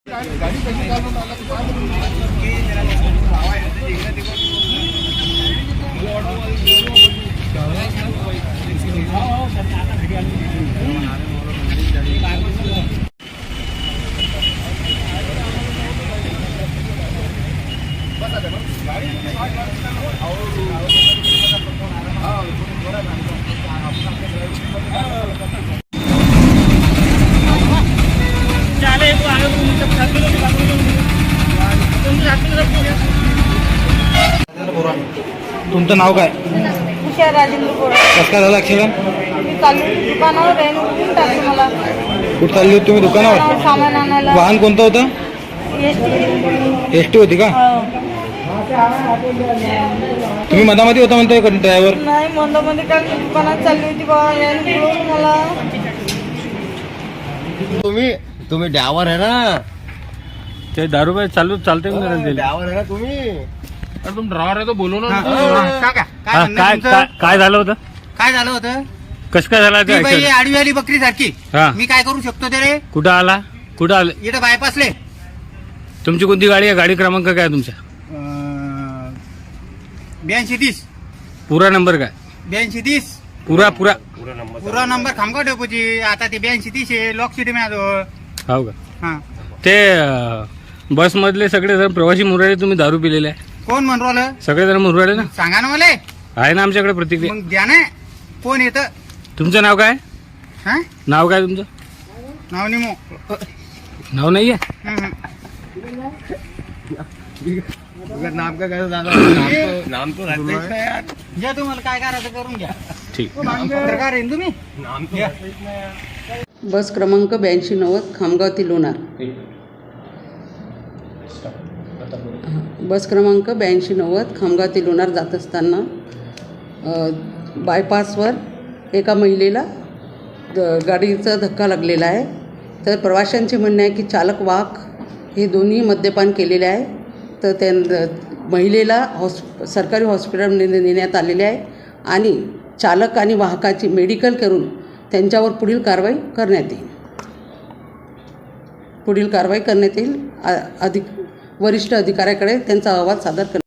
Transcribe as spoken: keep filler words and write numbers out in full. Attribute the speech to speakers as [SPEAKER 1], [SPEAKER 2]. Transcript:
[SPEAKER 1] तुमचं नाव काय?
[SPEAKER 2] उषा राजेंद्र बोरा.
[SPEAKER 1] कसं काय झालं ॲक्सिडेंट?
[SPEAKER 2] मी चालली दुकानावर आहे ना, कुठून टाकली मला.
[SPEAKER 1] कुठं चालली होती तुम्ही? दुकानावर.
[SPEAKER 2] सामान आणायला.
[SPEAKER 1] वाहन कोणतं होतं?
[SPEAKER 2] S T.
[SPEAKER 1] एस टी होती का? तुम्ही मधामध्ये होता म्हणताय ड्रायव्हर?
[SPEAKER 2] नाही, मधामध्ये काय, दुकानात चालली होती बा. याने बोलवलं मला.
[SPEAKER 3] तुम्ही तुम्ही ड्रायव्हर आहे ना?
[SPEAKER 4] ते दारू बाई चालू चालते
[SPEAKER 3] ड्रायव्हर आहे ना तुम्ही?
[SPEAKER 4] अरे तुम ड्रायव्हर आहे तो बोलू ना.
[SPEAKER 5] काय
[SPEAKER 4] काय काय काय झालं होतं?
[SPEAKER 5] काय झालं होतं?
[SPEAKER 4] कसं काय झालं?
[SPEAKER 5] ती बाई आडवी आली बकरी सारखी.
[SPEAKER 4] हा.
[SPEAKER 5] मी काय करू शकतो ते रे?
[SPEAKER 4] कुठं आला? कुठं आलं?
[SPEAKER 5] इथं बायपासले.
[SPEAKER 4] तुमची कोणती गाडी आहे? गाडी क्रमांक काय आहे तुमचा?
[SPEAKER 5] ब्याऐंशी तीस.
[SPEAKER 4] पुरा नंबर काय?
[SPEAKER 5] ब्याऐंशी तीस.
[SPEAKER 4] पुरा पुरा
[SPEAKER 5] पुरा नंबर खामगाव डेपोची. आता ते ब्याऐंशी तीस आहे. लॉक सीट माझ्याजवळ.
[SPEAKER 4] हो का?
[SPEAKER 5] हा.
[SPEAKER 4] ते बस मधले सगळे जण प्रवासी मुराले तुम्ही दारू पिलेले आहे?
[SPEAKER 5] कोण म्हणून राहिलं?
[SPEAKER 4] सगळे जण मुराले ना?
[SPEAKER 5] सांगा ना मला.
[SPEAKER 4] आहे ना आमच्याकडे प्रतिक्रिया.
[SPEAKER 5] मग द्या ना. कोण येतं?
[SPEAKER 4] तुमचं नाव काय?
[SPEAKER 5] हा?
[SPEAKER 4] नाव काय तुमचं?
[SPEAKER 5] नाव निमो.
[SPEAKER 4] नाव नाहीये?
[SPEAKER 3] नाम का काय झालं? नाम तो राहतेच ना यार.
[SPEAKER 5] घ्या, तुम्हाला काय करायचं करून घ्या.
[SPEAKER 4] ठीक.
[SPEAKER 5] पत्रकार आहे ना तुम्ही?
[SPEAKER 3] नाम तो राहतेच ना यार.
[SPEAKER 6] बस क्रमांक ब्याऐंशी नव्वद खामगाव ते लोणार. बस क्रमांक ब्याऐंशी नव्वद खामगाव ते लोणार जात असताना बायपासवर एका महिलेला द गाडीचा धक्का लागलेला आहे. तर प्रवाशांचे म्हणणे आहे की चालक वाहक हे दोन्ही मद्यपान केलेले आहे. तर त्या महिलेला हॉस् सरकारी हॉस्पिटलमध्ये नेण्यात आलेले आहे आणि चालक आणि वाहकाची मेडिकल करून त्यांच्यावर पुढील कारवाई करण्यात येईल. पुढील कारवाई करण्यात येईल. अधिक वरिष्ठ अधिकाऱ्याकडे त्यांचा अहवाल सादर कर